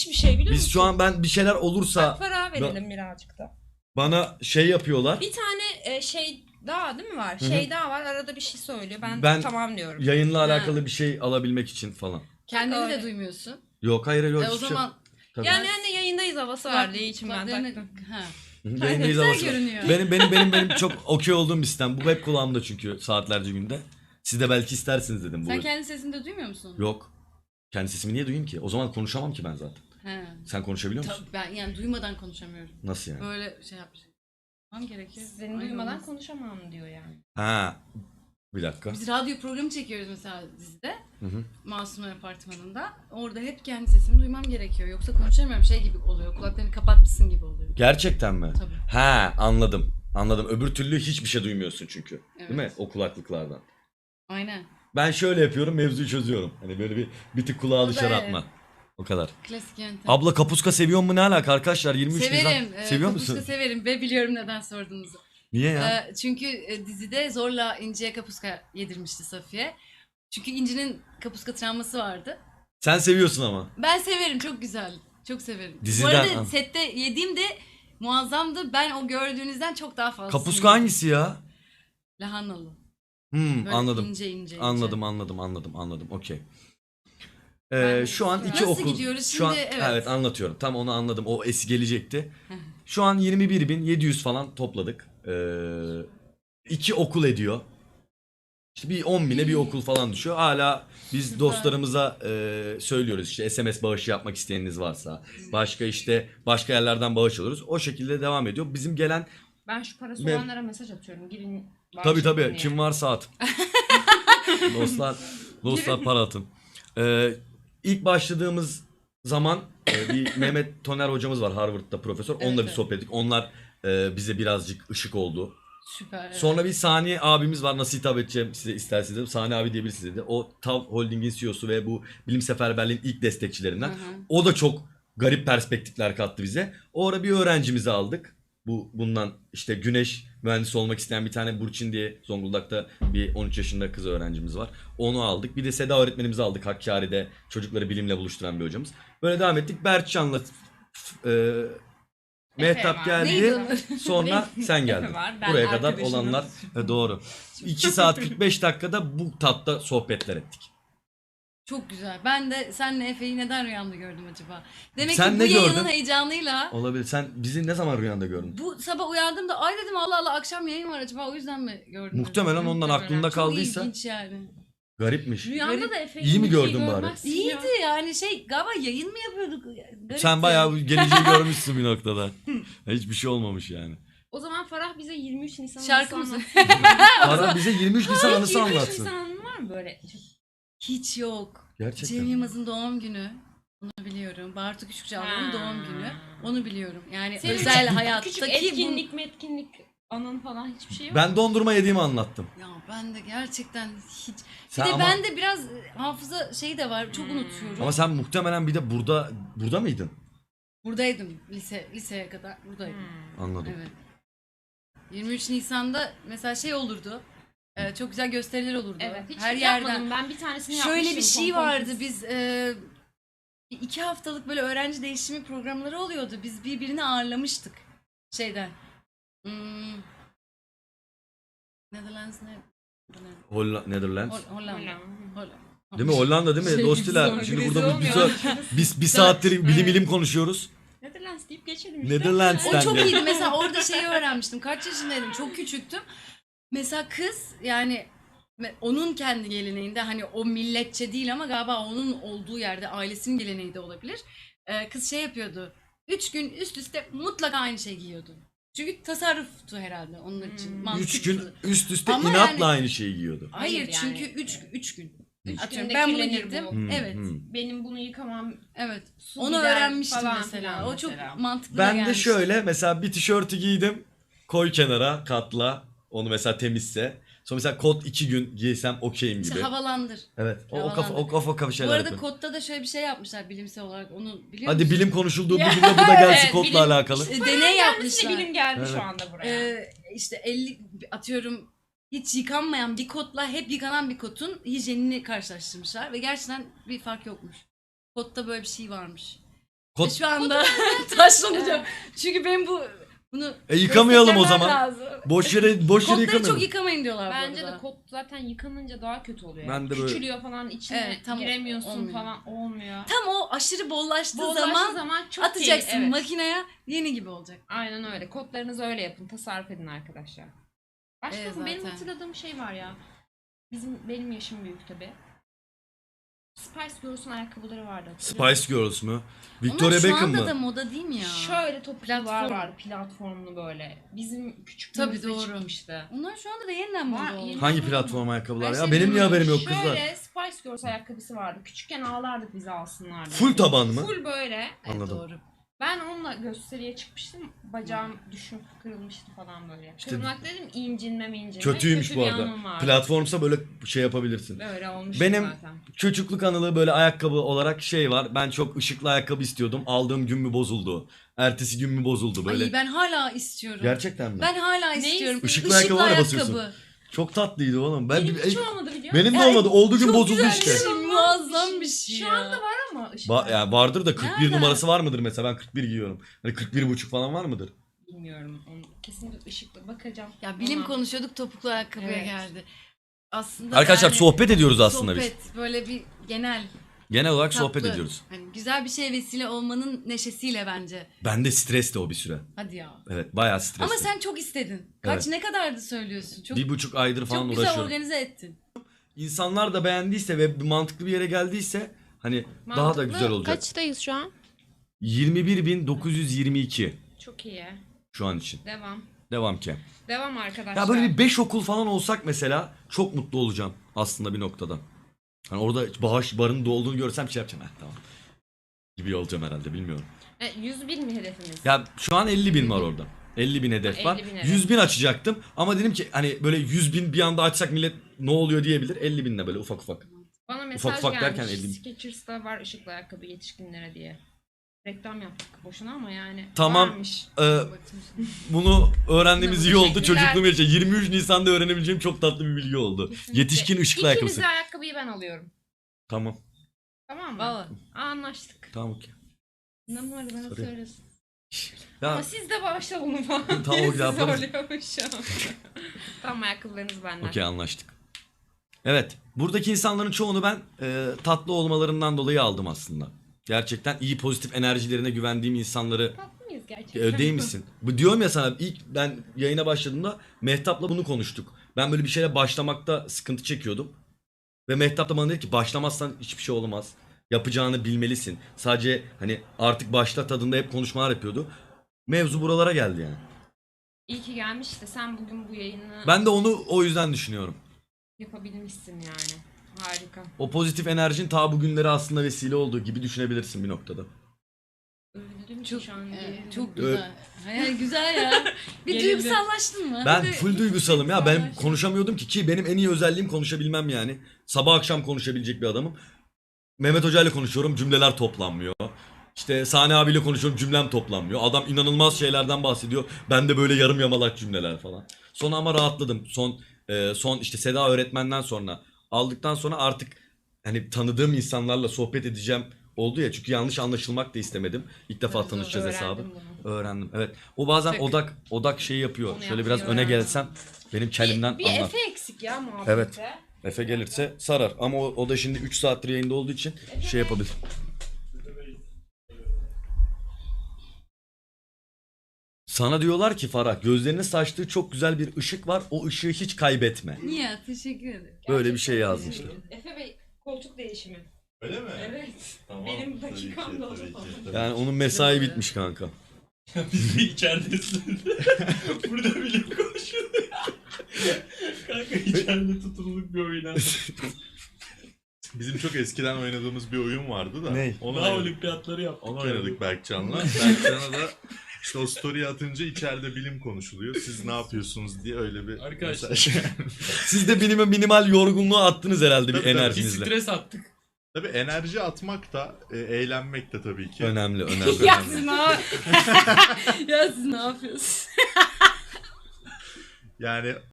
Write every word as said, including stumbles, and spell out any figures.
Hiçbir şey biliyor musun? Biz şu an ben bir şeyler olursa Bak para verelim birazcık da. bana şey yapıyorlar. Bir tane e, şey daha değil mi var? Hı hı. Şey daha var, arada bir şey söylüyor. Ben, Ben tamam diyorum. Yayınla Ha. alakalı bir şey alabilmek için falan. Kendini Öyle. de duymuyorsun. Yok hayır yok. E, o hiçbir şey- zaman Tabii. Yani hani yayındayız havası verdiği için ben kulaklarını- taktım. Ha. Yayındayız Güzel havası var. görünüyor. Benim benim benim benim çok okey olduğum bir sistem. Bu hep kulağımda çünkü saatlerce günde. Siz de belki istersiniz dedim bu. Sen kendi sesini de duymuyor musun? Yok. Kendi sesimi niye duyayım ki? O zaman konuşamam ki ben zaten. He. Sen konuşabiliyor musun? Tabii ben yani duymadan konuşamıyorum. Nasıl yani? Böyle şey yapmış. Tamam gerekiyor. Seni Ay, duymadan olmaz. konuşamam diyor yani. Ha. Bir dakika. Biz radyo programı çekiyoruz mesela dizide. Hı hı. Masumlar Apartmanı'nda. Orada hep kendi sesimi duymam gerekiyor. Yoksa konuşamıyorum. Şey gibi oluyor. Kulaklarını kapatmışsın gibi oluyor. Gerçekten mi? Tabii. Ha, anladım. Anladım. Öbür türlü hiçbir şey duymuyorsun çünkü. Evet. Değil mi? O kulaklıklardan. Aynen. Ben şöyle yapıyorum, mevzuyu çözüyorum. Hani böyle bir bir tık kulağı O da dışarı evet. atma. O kadar. Klasik yöntem. Abla kapuska seviyor mu ne alaka arkadaşlar? yirmi üç Severim. Nisan. Ee, Seviyor kapuska musun? severim ve biliyorum neden sorduğunuzu. Niye ya? Ee, çünkü e, dizide zorla İnci'ye kapuska yedirmişti Safiye. Çünkü İnci'nin kapuska travması vardı. Sen seviyorsun ama. Ben severim, çok güzel. Çok severim. Diziden- Bu arada sette yediğim de muazzamdı. Ben o gördüğünüzden çok daha fazla. Kapuska hangisi ya? Lahanalı. Hmm, Böyle anladım. ince ince ince. Anladım, anladım, anladım, anladım. Okey. Ee, Ben- şu an iki Nasıl okul. gidiyoruz Şu an şimdi? evet. Evet. anlatıyorum. Tam onu anladım. O es gelecekti. Şu an yirmi bir bin yedi yüz falan topladık. Ee, iki okul ediyor. İşte bir on bine bir okul falan düşüyor. Hala biz Süper. dostlarımıza e, söylüyoruz işte S M S bağışı yapmak isteyeniniz varsa. Başka işte başka yerlerden bağış alıyoruz. O şekilde devam ediyor. Bizim gelen Ben şu parası Ben- olanlara mesaj atıyorum. Girin. tabii tabii bağışlayın kim diye. varsa at. dostlar dostlar para atın. Ee, ilk başladığımız zaman e, bir Mehmet Toner hocamız var Harvard'da profesör. Onunla Evet, bir evet. sohbet ettik. Onlar e, bize birazcık ışık oldu. Süper. Evet. Sonra bir Sani abimiz var. Nasıl hitap edeceğim size isterseniz dedim. Sani abi diye birisi dedi. O Tav Holding'in C E O'su ve bu bilim seferberliğin ilk destekçilerinden. Hı hı. O da çok garip perspektifler kattı bize. O ara bir öğrencimizi aldık. Bu bundan işte güneş mühendisi olmak isteyen bir tane Burçin diye Zonguldak'ta bir on üç yaşında kız öğrencimiz var. Onu aldık. Bir de Seda öğretmenimizi aldık Hakkari'de. Çocukları bilimle buluşturan bir hocamız. Böyle devam ettik. Berkcan'la e, Mehtap var. geldi. Neydi onun? Sonra sen geldin. Efe var, ben Buraya kadar arkadaşımız. olanlar e, doğru. iki saat kırk beş dakikada bu tatta sohbetler ettik. Çok güzel. Ben de senle Efe'yi neden rüyamda gördüm acaba? Demek Sen ki bu ne yayının gördün? heyecanıyla Olabilir. Sen bizi ne zaman rüyanda gördün? bu sabah uyandığımda ay dedim Allah Allah akşam yayın var acaba o yüzden mi gördüm? Muhtemelen ondan Muhtemelen. aklında Çok kaldıysa ilginç yani. garipmiş. Rüyanda Garip. da Efe'yi İyi mi bir şey gördün bari? görmezsin ya. İyiydi yani şey galiba yayın mı yapıyorduk? Garipti. Sen bayağı geleceği görmüşsün bir noktada. Hiçbir şey olmamış yani. O zaman Farah bize yirmi üç Nisan Şarkı anısı mı? anlatsın. Para bize yirmi üç Nisan anısı yirmi üç anlatsın. Nisan anın var mı böyle? Hiç yok. Gerçekten. Cem Yılmaz'ın doğum günü. Onu biliyorum. Bartu Küçükçalı'nın Ha. doğum günü. Onu biliyorum. Yani Senin özel küçük- hayattaki Küçük etkinlik metkinlik anın falan hiçbir şey yok. Ben dondurma yediğimi anlattım. bu... Ya ben de gerçekten hiç... Sen bir de ama, ben de biraz hafıza şeyi de var. Çok Hmm. unutuyorum. ama sen muhtemelen bir de burada burada mıydın? Buradaydım. Lise liseye kadar buradaydım. Hmm. Anladım. Evet. yirmi üç Nisan'da mesela şey olurdu. e, çok güzel gösteriler olurdu. Evet, hiç Her yapmadım. yerden. Ben bir tanesini Şöyle yapmıştım. bir şey pompon vardı. kız. Biz e, iki haftalık böyle öğrenci değişimi programları oluyordu. Biz birbirini ağırlamıştık. Şeyden. Hmm, Netherlands ne? Holla Netherlands. Hol- Hollanda. Hollanda. Hollanda. Değil mi? Hollanda değil mi? Şey, Dostiler. sonra Şimdi kriz burada bir, olmuyor. bir, biz bir saattir bilim ilim konuşuyoruz. Netherlands deyip geçelim işte. Netherlands'ten O çok de. iyiydi. Mesela orada şeyi öğrenmiştim. Kaç yaşındaydım? Çok küçüktüm. Mesela kız yani me- onun kendi geleneğinde hani o milletçe değil ama galiba onun olduğu yerde ailesinin geleneği de olabilir. Ee, kız şey yapıyordu. Üç gün üst üste mutlaka aynı şey giyiyordu. Çünkü tasarruftu herhalde onun için. Hmm. mantıklı. Üç gün üst üste Ama inatla yani- aynı şeyi giyiyordu. Hayır, Hayır yani. çünkü üç, üç gün. Üç Atıyorum günde ben bunu kirlenir giydim. bu. Hmm, Evet. hmm. Benim bunu yıkamam. Evet. Su Onu gider öğrenmiştim falan mesela. filan O çok mesela. mantıklı da Ben de gelmişti. şöyle mesela bir tişörtü giydim. Koy kenara katla. Onu mesela temizse. Sonra mesela kot iki gün giysem okeyim İşte gibi. havalandır. Evet. O, o kafa havalandır. o kafa kafa Bu şeyler arada yapıyorum. kodda da şöyle bir şey yapmışlar bilimsel olarak. Onu biliyor Hadi musun? bilim konuşulduğu Ya, bugün de bu da gelsin evet, kodla bilim- alakalı. İşte Deney deney yapmışlar. yapmışlar. Bilim geldi Evet. şu anda buraya. Ee, işte elli atıyorum hiç yıkanmayan bir kotla hep yıkanan bir kotun hijyenini karşılaştırmışlar ve gerçekten bir fark yokmuş. Kotta böyle bir şey varmış. Kot... Şu anda taşlanacağım. Çünkü ben bu bunu E yıkamayalım o desteklemem zaman. lazım. Boş yere boş yere Kotları yıkamayalım. çok yıkamayın diyorlar Bence bu arada. de kot zaten yıkanınca daha kötü oluyor. Ben de böyle- Küçülüyor falan, içine Evet, tam giremiyorsun olmuyor. falan, olmuyor. Tam o aşırı bollaştığı Bollaştığı zaman, zaman çok atacaksın iyi. Evet. makineye, yeni gibi olacak. Aynen öyle. Kodlarınızı öyle yapın. Tasarruf edin arkadaşlar. Başka Evet, mı? Benim zaten. hatırladığım şey var ya. Bizim benim yaşım büyük tabi. Spice Girls'un ayakkabıları vardı. hatırlıyor Spice Girls mü? Onlar Victoria şu Beckham anda mı? da moda değil mi ya? musun? Şöyle topuklular Platform. var. Platformlu böyle. Bizim küçük Tabii, doğru. çıkmıştı. Onlar şu anda da yeniden moda Var, oldu. yeni- Hangi platform ayakkabılar Ben ya? şey Benim niye bilmiyorum. haberim yok kızlar? Şöyle Spice Girls ayakkabısı vardı. Küçükken ağlardık bizi alsınlar diye. Full taban mı? Full böyle. Evet, Anladım. doğru. Ben onunla gösteriye çıkmıştım. Bacağım düşüp kırılmıştı falan böyle. İşte- Kırılmak dedim, incinme mi incinme. Kötüymüş Kötü bu bir arada. anım vardı. Platformsa böyle şey yapabilirsin. Böyle olmuş Benim- zaten. Çocukluk anılı böyle ayakkabı olarak şey var. Ben çok ışıklı ayakkabı istiyordum. Aldığım gün mü bozuldu? Ertesi gün mü bozuldu böyle? Ay ben hala istiyorum. Gerçekten mi? Ben hala Ne istiyorum. Işıklı ayakkabılara basıyorsun. Çok tatlıydı oğlum. Ben Benim bir- hiç olmadı biliyor musun? benim de Yani olmadı. Olduğu gün çok bozuldu güzel işte. bir şey, muazzam bir şey Şu ya. anda var ama ışık Ba- yani vardır da kırk bir Nerede? numarası var mıdır mesela? Ben kırk bir giyiyorum. Hani kırk bir buçuk falan var mıdır? bilmiyorum. Onu kesinlikle ışıklı bakacağım. Ya bilim Ama konuşuyorduk, topuklu ayakkabıya Evet. geldi. Aslında Arkadaşlar yani sohbet ediyoruz aslında biz. sohbet, böyle bir genel Genel olarak tatlı. sohbet ediyoruz. Hani güzel bir şeye vesile olmanın neşesiyle bence. Ben de stres de o bir süre. Hadi ya. Evet bayağı stresli. Ama sen çok istedin. Kaç Evet. ne kadardı söylüyorsun? Çok bir buçuk aydır falan çok güzel uğraşıyorum. organize ettin. İnsanlar da beğendiyse ve mantıklı bir yere geldiyse hani daha da mantıklı. güzel olacak. Kaçtayız şu an? yirmi bir bin dokuz yüz yirmi iki Çok iyi. şu an için. Devam. Devam ki. Devam arkadaşlar. Ya böyle bir beş okul falan olsak mesela çok mutlu olacağım aslında bir noktada. Hani orada bağış barın dolduğunu görsem şey yapacağım. Heh, tamam. Gibi olacağım herhalde bilmiyorum. E, yüz bin mi hedefimiz? Ya şu an elli bin var orada. elli bin hedef Ha, var. elli bin hedef. yüz bin açacaktım ama dedim ki hani böyle yüz bin bir anda açsak millet ne oluyor diyebilir. elli binle böyle ufak ufak. Bana mesaj ufak gelmiş. derken elli bin. Skechers'ta var ışıklı ayakkabı yetişkinlere diye. Reklam yaptık boşuna ama yani Tamam. varmış. Ee, bunu öğrendiğimiz iyi oldu. Teşekkürler. Çocukluğum için yirmi üç Nisan'da öğrenebileceğim çok tatlı bir bilgi oldu. Kesinlikle. Yetişkin ışıklı ayakkabısı. İkinize ayakkabıyı ben alıyorum. Tamam. Tamam mı? Valla. Aa, anlaştık. Tamam okey. Numara bana Sorry. söylesin. Ya Ama siz de bağışla bunu falan. Tamam, Birisi o yaparız. zorluyormuş. Tamam, ayakkabılarınız benden. okey anlaştık. Evet. Buradaki insanların çoğunu ben e, tatlı olmalarından dolayı aldım aslında. Gerçekten iyi pozitif enerjilerine güvendiğim insanları. Tatlı mıyız gerçekten? E, değil misin? Bu diyorum ya sana, ilk ben yayına başladığımda Mehtap'la bunu konuştuk. Ben böyle bir şeyle başlamakta sıkıntı çekiyordum. Ve Mehtap da bana dedi ki başlamazsan hiçbir şey olmaz. Yapacağını bilmelisin. Sadece hani artık başla tadında hep konuşmalar yapıyordu. Mevzu buralara geldi yani. İyi ki gelmiş de sen bugün bu yayını Ben de onu o yüzden düşünüyorum. yapabilmişsin yani. Harika. O pozitif enerjin ta bugünlere aslında vesile olduğu gibi düşünebilirsin bir noktada. Öldüm Çok, ki şu an. evet, gerildim. çok güzel. Yani güzel ya. Bir Gerildim. duygusallaştın mı? Ben Bir- full duygusalım ya. Ben duygusallaştın. konuşamıyordum ki ki benim en iyi özelliğim konuşabilmem yani. Sabah akşam konuşabilecek bir adamım. Mehmet Hoca ile konuşuyorum, cümleler toplanmıyor. İşte Sani abiyle konuşuyorum, cümlem toplanmıyor. Adam inanılmaz şeylerden bahsediyor. Ben de böyle yarım yamalak cümleler falan. Sonra ama rahatladım. Son e, son işte Seda öğretmenden sonra aldıktan sonra artık hani tanıdığım insanlarla sohbet edeceğim oldu ya. Çünkü yanlış anlaşılmak da istemedim. İlk defa Tabii, doğru. tanışacağız Öğrendim hesabı. bunu. Öğrendim. Evet. O bazen Tek. odak odak şeyi yapıyor. Onu Şöyle biraz yapmayı öne öğrendim. gelsem benim kelimden Bir, bir anlar. Efe eksik ya muhabbete. Evet. Efe gelirse sarar ama o, o da şimdi üç saattir yayında olduğu için şey yapabilir. Sana diyorlar ki Farah, gözlerinin saçtığı çok güzel bir ışık var. O ışığı hiç kaybetme. Niye? Teşekkür ederim. Böyle bir şey yazmışlar. Efe Bey, koltuk değişimi. Öyle mi? Evet. Tamam. Benim tabii ki, dakikam da o tabii ki, zaman. tabii. Yani onun mesai bitmiş kanka. Biz bir içeridesin. Burada bile konuşuluyor. Kanka içeride tutuluk bir oyun. Bizim çok eskiden oynadığımız bir oyun vardı da. Ney? Onu Daha oynadık, olimpiyatları yaptık. onu oynadık Berkcan'la. Berkcan'a da işte o story atınca içeride bilim konuşuluyor. Siz ne yapıyorsunuz diye öyle bir Arkadaşlar. mesaj. Siz de minimal, minimal yorgunluğu attınız herhalde bir Tabii, tabii. Bir enerjinizle. stres attık. Tabii enerji atmak da e, eğlenmek de tabii ki. Önemli, önemli. Ya siz ne Ya siz ne yapıyorsunuz? Yani